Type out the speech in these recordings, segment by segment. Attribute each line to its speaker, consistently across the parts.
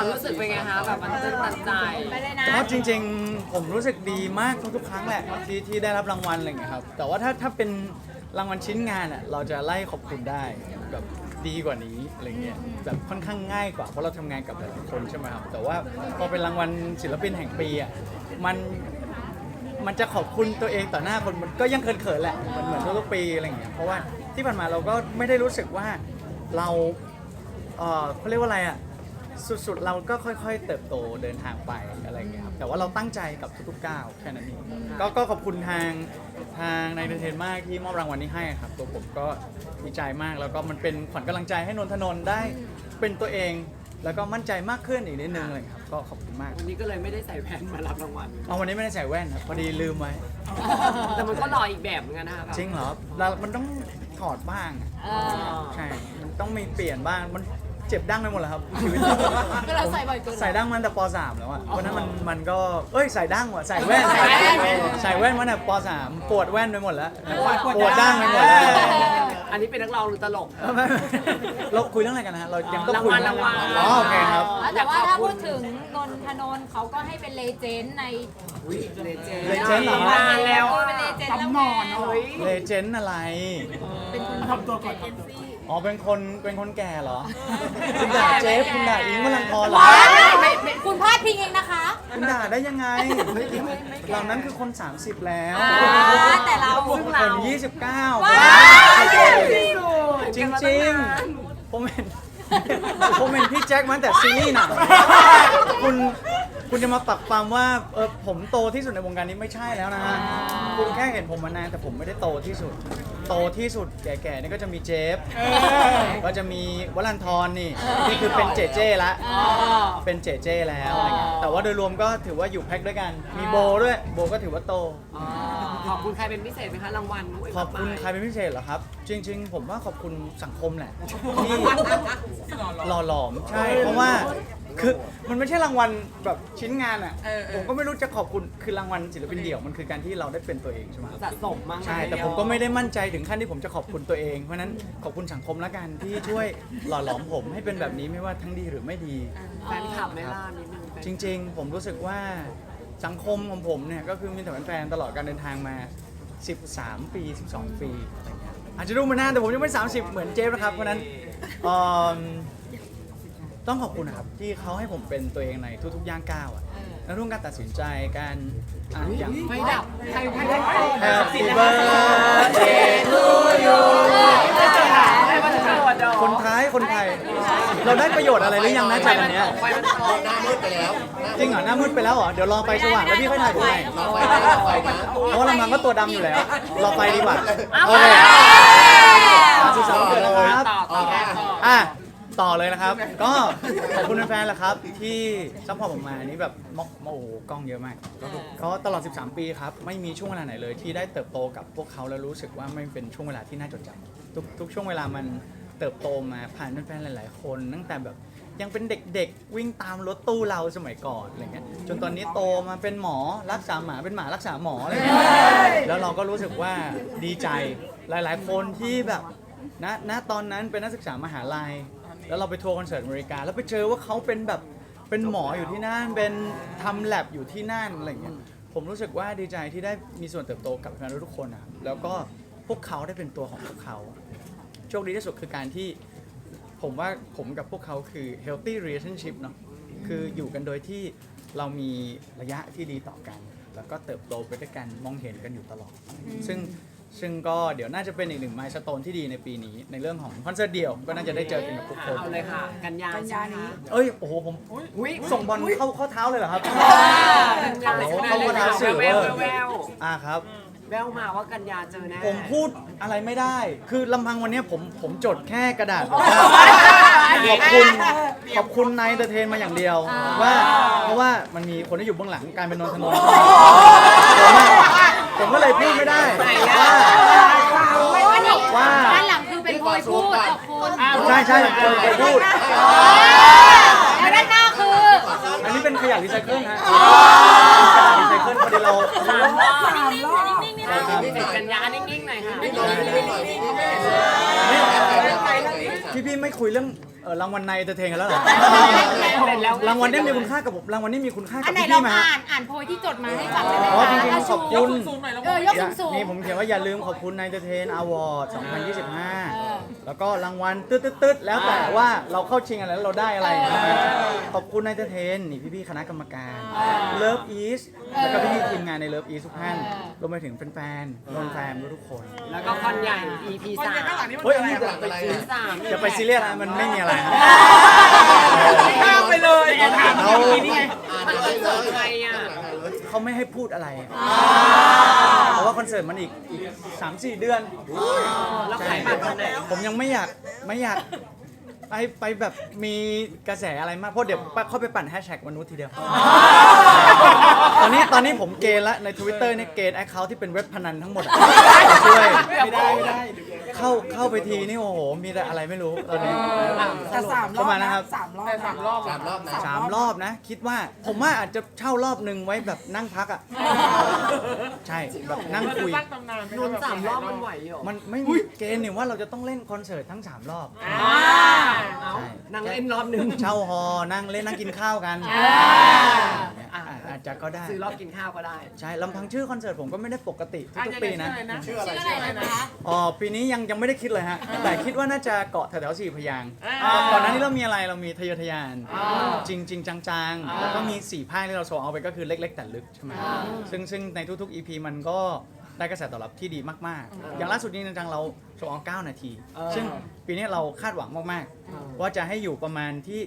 Speaker 1: ความรู้สึกเป็นไงคะแบบมันตื่นตันใจ
Speaker 2: ไปเลยนะ
Speaker 3: ก็จริงๆผมรู้สึกดีมากทุกๆครั้งแหละที่ได้รับรางวัลอะไรอย่างเงี้ยครับแต่ว่าถ้าเป็นรางวัลชิ้นงานอ่ะเราจะไล่ขอบคุณได้แบบดีกว่านี้อะไรเงี้ยแบบค่อนข้างง่ายกว่าเพราะเราทำงานกับหลายๆคนใช่ไหมครับแต่ว่าพอเป็นรางวัลศิลปินแห่งปีอ่ะมันจะขอบคุณตัวเองต่อหน้าคนมันก็ยังเขินๆแหละมันเหมือนทุกๆปีอะไรอย่างเงี้ยเพราะว่าที่ผ่านมาเราก็ไม่ได้รู้สึกว่าเราเขาเรียกว่าอะไรอ่ะสุดๆเราก็ค่อยๆเติบโตเดินทางไปอะไรอย่างเงี้ยครับแต่ว่าเราตั้งใจกับทุกๆก้าวแค่นั้นเองก็ขอบคุณทางนายเทนมากที่มอบรางวัลนี้ให้ครับตัวผมก็ดีใจมากแล้วก็มันเป็นขวัญกำลังใจให้นนทนนท์ได้เป็นตัวเองแล้วก็มั่นใจมากขึ้นอีกนิดนึงเลยครับก็ขอบคุณมาก
Speaker 1: วันนี้ก็เลยไม่ได้ใส่แว่นมารับรางวัล
Speaker 3: วันนี้ไม่ได้ใส่แว่นครับพอดีลืมไว้
Speaker 1: แต่มันก็หล่ออีกแบบเหมือนกันนะคะ
Speaker 3: จริงเหรอมันต้องถอดบ้างใช่มันต้องมีเปลี่ยนบ้างมันเจ็บดั้งไปหมดแล้วครับชีวิต
Speaker 2: ก็เราใส่บ่อยเกิน
Speaker 3: ใส่ดั้งมันแต่ป .3 แล้วอ่ะเพราะนั้นมันก็ใส่ดั้งว่ะใส่แว่นใส่แว่นมาแต่ป .3 ปวดแว่นไปหมดแล้วปวดดั้งไปหมดแล้ว
Speaker 1: อันนี้เป็นนักร้องหรือตลก
Speaker 3: เราคุยเรื่องอะไรกันนะฮะเรายังต้อง
Speaker 1: คุยรางวัล
Speaker 3: โอเคครับ
Speaker 2: แต่ว่าถ้าพูดถึงนนทนนท์เขาก็ให้เป็นเลเจนด์ใน
Speaker 1: เลเจนด์
Speaker 3: เหรอ
Speaker 1: มาแล้ว
Speaker 2: เป็นเลเจนด์แล้วไง
Speaker 3: เลเจนด์อะไร
Speaker 2: เป็นคนทำตัวก่อน
Speaker 3: เป็นคนแก่เหรอคุณด่าเจฟคุณด่าอิงค์วรันทรเหรอ
Speaker 2: คุณพลาดพิงเองนะคะ
Speaker 3: คุณด่าได้ยังไงเหล่านั้นคือคน30แล้ว
Speaker 2: แต่เรา
Speaker 3: คน29จริงๆผมเห็นพี่แจ็คมาแต่ซีรีส์หนังคุณจะมาปักปำว่าผมโตที่สุดในวงการนี้ไม่ใช่แล้วนะคุณแค่เห็นผมมานานแต่ผมไม่ได้โตที่สุดแก่ๆนี่ก็จะมีเจฟก็จะมีวรันทรนี่คือเป็นเจละเป็นเจแล้วอะไรเงี้ยแต่ว่าโดยรวมก็ถือว่าอยู่แพ็คด้วยกันมีโบด้วยโบก็ถือว่าโต
Speaker 1: ขอบคุณใครเป็นพิเศษไหมคะรางวัล
Speaker 3: ขอบคุณใครเป็นพิเศษเหรอครับจริงๆผมว่าขอบคุณสังคมแหละที่หล่อหลอมใช่เพราะว่าคือมันไม่ใช่รางวัลแบบชิ้นงานอ่ะผมก็ไม่รู้จะขอบคุณคือรางวัลศิลปินเดี่ยวมันคือการที่เราได้เป็นตัวเองใช่ไหม
Speaker 1: สะสมมาก
Speaker 3: ใช่แต่ผมก็ไม่ได้มั่นใจถึงขั้นที่ผมจะขอบคุณตัวเองเพราะนั้นขอบคุณสังคมละกันที่ช่วยหล่อหลอมผมให้เป็นแบบนี้ไม่ว่าทั้งดีหรือไม่ดี
Speaker 1: แฟนคลับไม่ล่านิดนึง
Speaker 3: จริงๆผมรู้สึกว่าสังคมของผมเนี่ยก็คือมีแต่แฟนๆตลอดการเดินทางมา13 ปี12 ปีอะไรเงี้ยอาจจะดูมานานแต่ผมยังไม่30เหมือนเจฟนะครับเพราะนั้นต้องขอบคุณนะครับที่เขาให้ผมเป็นตัวเองในทุกๆย่างก้าวอ่ะแล้วทุกการตัดสินใจการ
Speaker 1: อย่างไม่ดับใคร
Speaker 3: Happy birthday to you คนไทยเราได้ประโยชน์อะไรหรือยังนะจากอันเนี้ย
Speaker 4: หน้ามืดไปแล้ว
Speaker 3: จริงเหรอหน้ามืดไปแล้วเหรอเดี๋ยวรอไปสว่างแล้วพี่ค่อยถ่ายผมใหม่เพราะลำพังก็ตัวดำอยู่แล้วรอไปดีกว่าโอเคสุขสันต์วันเกิดนะครับต่อเลยนะครับก็ขอบคุณแฟนๆแหละครับที่ซัพพอร์ตผมมานี่แบบโอ้โหกล้องเยอะมากก็ตลอด13 ปีครับไม่มีช่วงเวลาไหนเลยที่ได้เติบโตกับพวกเขาแล้วรู้สึกว่าไม่เป็นช่วงเวลาที่น่าจดจำทุกช่วงเวลามันเติบโตมาผ่านแฟนๆหลายๆคนตั้งแต่แบบยังเป็นเด็กๆวิ่งตามรถตู้เราสมัยก่อนอะไรเงี้ยจนตอนนี้โตมาเป็นหมอรักษาหมาเป็นหมารักษาหมออะไรเงี้ยแล้วเราก็รู้สึกว่าดีใจหลายๆคนที่แบบณตอนนั้นเป็นนักศึกษามหาลัยแล้วเราไปทัวร์คอนเสิร์ตอเมริกาแล้วไปเจอว่าเขาเป็นหมออยู่ที่นั่นเป็นทำแลบอยู่ที่นั่นอะไรเงี้ยผมรู้สึกว่าดีใจที่ได้มีส่วนเติบโตกับแฟนทุกคนนะแล้วก็พวกเขาได้เป็นตัวของพวกเขาโชคดีที่สุดคือการที่ผมว่าผมกับพวกเขาคือ healthy relationship เนาะคืออยู่กันโดยที่เรามีระยะที่ดีต่อกันแล้วก็เติบโตไปด้วยกันมองเห็นกันอยู่ตลอดซึ่งก็เดี๋ยวน่าจะเป็นอีกหนึ่งไมล์สโตนที่ดีในปีนี้ในเรื่องของคอนเสิร์ตเดี่ยวก็น่าจะได้เจอกันกับทุกคน
Speaker 1: เอาเลยค่ะกันยานี้
Speaker 3: โอ้โหผมส่งบอลเข้าเท้าเลยเหรอครับ
Speaker 1: เข้าเท้าสื่อแวว
Speaker 3: ครับ
Speaker 1: แววมาว่ากันยาเจอแน่
Speaker 3: ผมพูดอะไรไม่ได้คือลำพังวันนี้ผมจดแค่กระดาษขอบคุณนายเดอะเทนมาอย่างเดียวว่าเพราะว่ามันมีคนที่อยู่เบื้องหลังการเป็นนนทนนท์ผมก็เลยพูดไม่ได้ว่า
Speaker 2: ด้านหลังคือเป็นโพยพูดกับคน
Speaker 3: ใช่โพยพูด
Speaker 2: แล้วด้านหน้าคือ
Speaker 3: อันนี้เป็นขยะรีไซเคิลฮะรีไซเคิลพอดีเรา
Speaker 1: กันยานิ่งๆหน่อยค่ะ
Speaker 3: พี่ไม่คุยเรื่องรางวัลในเตอร์เทนกันแล้วเหรอ
Speaker 1: เสร็จแล้ว
Speaker 3: รางวัลนี้มีคุณค่ากับผมรางวัลนี้มีคุณค่า
Speaker 2: อั
Speaker 3: กับ
Speaker 2: นไหน
Speaker 3: พี่
Speaker 2: เรา
Speaker 3: ไหมฮะ
Speaker 2: อ่านโพยที่จดมาให้ฟังได้ไหม
Speaker 3: อ๋อ
Speaker 2: คะ
Speaker 3: จริงๆขอบคุณ
Speaker 2: ยกสูง
Speaker 3: นี่ผมเขียนว่าอย่าลืมขอบคุณในเตอร์เทนอวอร์ด 2025 แล้วก็รางวัลตึ๊ดๆแล้วแต่ว่าเราเข้าชิงอะไรแล้วเราได้อะไรขอบคุณในเตอร์เทนนี่พี่ๆคณะกรรมการเลิฟอีสแล้วก็พี่ๆทีมงานในเลิฟอีสทุกท่านรวมไปถึงแฟนๆนนแฟนทุกคน
Speaker 1: แล้วก็คอนใหญ่ EP 3
Speaker 3: เฮ้ยอันนี้
Speaker 1: ไปซื้อ3
Speaker 3: อย่าไปซีเรียสนะมันไม่มีอะไรครับ
Speaker 1: ข้ามไปเลยถาม
Speaker 3: เรา
Speaker 1: นี่ไงมันคอนเสิร์ตใครอ่ะ
Speaker 3: เขาไม่ให้พูดอะไรเพราะว่าคอนเสิร์ตมันอีก 3-4 เดือน
Speaker 1: แล้วขายบัตรวันไหน
Speaker 3: ผมยังไม่อยากไปแบบมีกระแสอะไรมากเพราะเดี๋ยวเข้าไปปั่นแฮชแท็กมนุษย์ทีเดียว ตอนนี้ผมเกณฑ์ละใน Twitter เนี่ยเกณฑ์แอคเคาท์ที่เป็นเว็บพนันทั้งหมดช่วยไม่ได้เข้าไปทีนี่โอ้โหมีแต่อะไรไม่รู้ตอนนี้
Speaker 4: แต่3 รอบ
Speaker 3: ประมาณนะครับ
Speaker 4: 3 รอบ
Speaker 3: 3 รอบนะ คิดว่าผมว่าอาจจะเช่ารอบหนึ่งไว้แบบนั่งพักอ่ะใช่แบบนั่งคุย
Speaker 1: นน3 รอบมันไหวเหรอ
Speaker 3: มันไม่มีเกณฑ์เนี่ยว่าเราจะต้องเล่นคอนเสิร์ตทั้ง 3 รอบ
Speaker 1: เอานั่งเล่นรอบหนึ่ง
Speaker 3: เช่าฮอนั่งเล่นนั่งกินข้าวกันอาจจะก็ได้
Speaker 1: ซื้อรอบกินข้าวก็ได้
Speaker 3: ใช่ลำพังชื่อคอนเสิร์ตผมก็ไม่ได้ปกติทุกๆปีนะ
Speaker 4: ชื่ออะไร
Speaker 2: ชื่ออะไรนะคะ
Speaker 3: อ๋อปีนี้ยังไม่ได้คิดเลยฮะแต่คิดว่าน่าจะเกาะแถวๆ4 พยางค์ก่อนหน้านี้เรามีอะไรเรามีทะเยอทะยานจริงจังๆแล้วก็มี4 ภาคที่เราโชว์เอาไปก็คือเล็กๆแต่ลึกใช่ไหมซึ่งในทุกๆ EP มันก็ได้กระแสตอบรับที่ดีมากๆ อย่างล่าสุดนี้จังๆเราโชว์เอา9 นาที ซึ่งปีนี้เราคาดหวังมากๆว่าจะให้อยู่ประมาณที่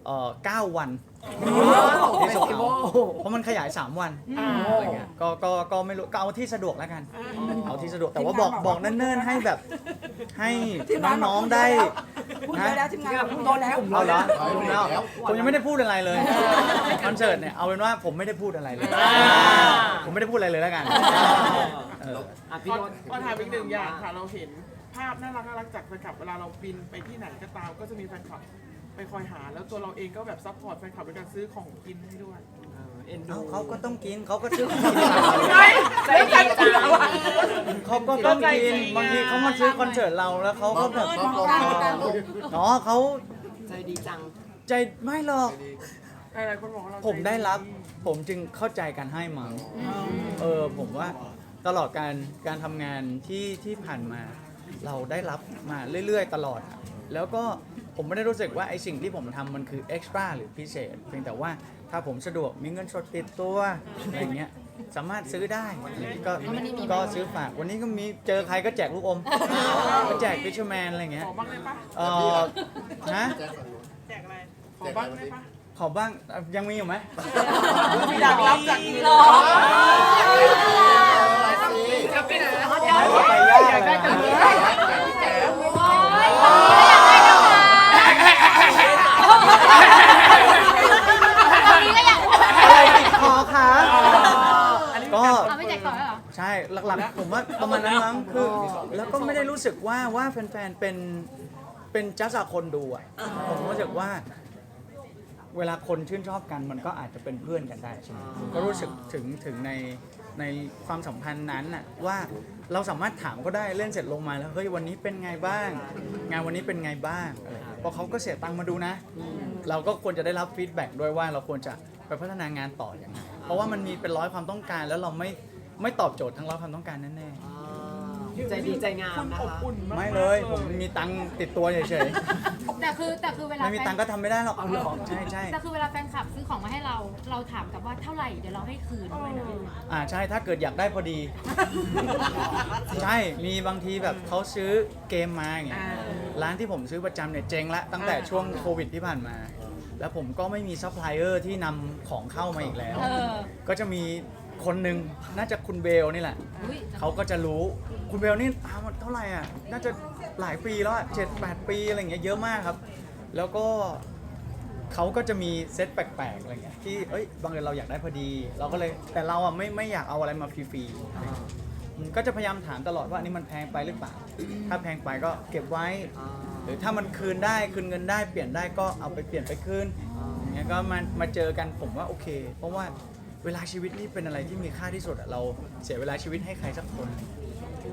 Speaker 3: 9 วันที่โชว์เอาเพราะมันขยาย 3 วันอะไรเงี้ยก็ไม่รู้ก็เอาที่สะดวกแล้วกันเอาที่สะดวกแต่ว่าบอกเนิ่นๆให้แบบให้น้องๆได้
Speaker 4: พูดไปแล้วทีมงานพูดโดนแล้ว
Speaker 3: เอาเหรอผมยังไม่ได้พูดอะไรเลยคอนเสิร์ตเนี่ยเอาเป็นว่าผมไม่ได้พูดอะไรเลยผมไม่ได้พูดอะไรเลยแล้วกัน
Speaker 1: พี่นนท์
Speaker 5: ขอถามอีกหนึ่งอย่างค่ะ เราเห็นภาพน่ารักจากแฟนคลับเวลาเราบินไปที่ไหนก็ตามก็จะมีแฟนคลับไปคอยหา แล้วตัวเราเองก็แบบซัพพอร์ตแฟนคลับด้วยการซื้อของกินให้ด้วย
Speaker 1: เอ็นดู
Speaker 3: เขาก็ต้องกินเขาก็ซื้อของกิน
Speaker 1: ใจดีจัง
Speaker 3: เขาก็ต้องกินบางทีเขามาซื้อคอนเสิร์ตเราแล้วเขาก็แบบอ๋อเขา
Speaker 1: ใจดีจัง
Speaker 3: ใจไม่หรอก
Speaker 5: หลายๆคนบอกว่าเรา
Speaker 3: ผมได้รับผมจึงเข้าใจการให้มั้งผมว่าตลอดการทำงานที่ผ่านมาเราได้รับมาเรื่อยๆตลอด แล้วก็ผมไม่ได้รู้สึกว่าไอสิ่งที่ผมทำมันคือเอ็กซ์ตร้าหรือพิเศษเพียงแต่ว่าถ้าผมสะดวกมีเงินสดติดตัวอะไรเงี้ยสามารถซื้อได้ก็ซื้อฝากวันนี้ก็มีเจอใครก็แจกลูกอมก็แจกฟิชเชอร์แมนอะไรเงี้ย
Speaker 5: ขอบ้างได้ปะ
Speaker 3: นะ
Speaker 5: แจกอะไร ขอบ้างได้ปะ
Speaker 3: ขอบ้างยังมีอยู่ไหม
Speaker 5: อยากรับจาก
Speaker 2: หรอ
Speaker 5: จะไปไหน
Speaker 3: ไปยากเลยนะอะไรติดคอคะก็
Speaker 2: เอาไม่แจกก่อนเหรอ
Speaker 3: ใช่หลักๆผมว่าประมาณนั้นมั้งคือแล้วก็ไม่ได้รู้สึกว่าแฟนๆเป็นจัสคนดูอ่ะผมรู้สึกว่าเวลาคนชื่นชอบกันมันก็อาจจะเป็นเพื่อนกันได้ใช่ไหมก็รู้สึกถึงในความสัมพันธ์นั้นน่ะว่าเราสามารถถามก็ได้เล่นเสร็จลงมาแล้วเฮ้ยวันนี้เป็นไงบ้าง งานวันนี้เป็นไงบ้างอะไรเพราะเขาก็เสียตังค์มาดูนะ เราก็ควรจะได้รับฟีดแบ็กด้วยว่าเราควรจะไปพัฒนางานต่ออย่างไรเพราะว่ามันมีเป็นร้อยความต้องการแล้วเราไม่ตอบโจทย์ทั้งร้อยความต้องการแน่
Speaker 1: ใจดีใจงาม
Speaker 5: คุณ
Speaker 1: นะ
Speaker 5: อบ
Speaker 1: คะ
Speaker 5: อุ่นมาก
Speaker 3: ๆไม่เลยผมมีตังค์ติดตัวเฉย
Speaker 2: แต่คือเว
Speaker 3: ๆ
Speaker 2: ลา
Speaker 3: ไม่มีตังค์ก็ทำไม่ได้หรอกใช่
Speaker 2: แต่คือเวลาแฟนคลับซื้อของมาให้เราถามกับว่าเท่าไหร่เดี๋ยวเราให้คืนด้วยนะ
Speaker 3: ใช่ถ้าเกิดอยากได้พอดี ใช่มีบางทีแบบเขาซื้อเกมมาอย่างเงี้ยร้านที่ผมซื้อประจำเนี่ยเจ๊งละตั้งแต่ช่วงโควิดที่ผ่านมา แล้วผมก็ไม่มีซัพพลายเออร์ที่นำของเข้ามาอีกแล้ว ก็จะมีคนหนึ่งน่าจะคุณเบลนี่แหละ
Speaker 2: อุ๊ย
Speaker 3: เขาก็จะรู้คุณเบลนี่มันเท่าไหร่อ่ะน่าจะหลายปีแล้ว7-8 ปีอะไรอย่างเงี้ยเยอะมากครับ แล้วก็เขาก็จะมีเซตแปลกๆอะไรเงี้ยที่บางเอิญเราอยากได้พอดี เราก็เลยแต่เราอ่ะไม่อยากเอาอะไรมาฟรีๆก็จะพยายามถามตลอดว่าอันนี้มันแพงไปหรือเปล่า ถ้าแพงไปก็เก็บไว้ หรือถ้ามันคืนได้คืนเงินได้เปลี่ยนได้ก็เอาไปเปลี่ยนไปคืนอย่างเงี้ยก็มาเจอกันผมว่าโอเค เพราะว่าเวลาชีวิตนี่เป็นอะไรที่มีค่าที่สุดอะเราเสียเวลาชีวิตให้ใครสักคน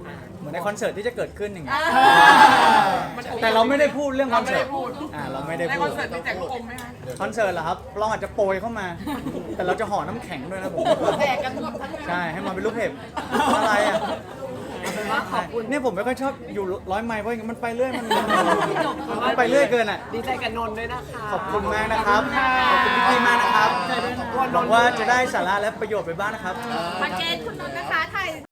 Speaker 3: เหมือนในคอนเสิร์ตที่จะเกิดขึ้นอย่างเงี้ยแต่เราไม่ได้พูดเรื่องคอนเสิร์ตเราไม่ได้
Speaker 5: ใน
Speaker 3: พู
Speaker 5: คอ
Speaker 3: ด
Speaker 5: นเสิร์ตมีแจกลูกอมไหมคะ
Speaker 3: คอนเสิร์ตเหรอครับเราอาจจะโปรยเข้ามา แต่เราจะห่อน้ำแข็งด้วยนะผม
Speaker 1: แจกกันหมดทั้ง
Speaker 3: ใช่ให้มาเป็นลูกเห็บอะไรอ่ะเนี่ยผมไม่ค่อยชอบอยู่ร้อยไมล์เพราะอย่างนั้นมันไปเรื่อยมันไปเรื่อยเกินอ่ะ
Speaker 1: ดีใจกับนนท์ด้วยนะคะ
Speaker 3: ขอบคุณมากนะครับขอบคุณพี่ๆมากนะครับหวังว่าจะได้สาระและประโยชน์ไปบ้างนะครับ
Speaker 2: คอนเจนคุณนนท์นะคะถ่าย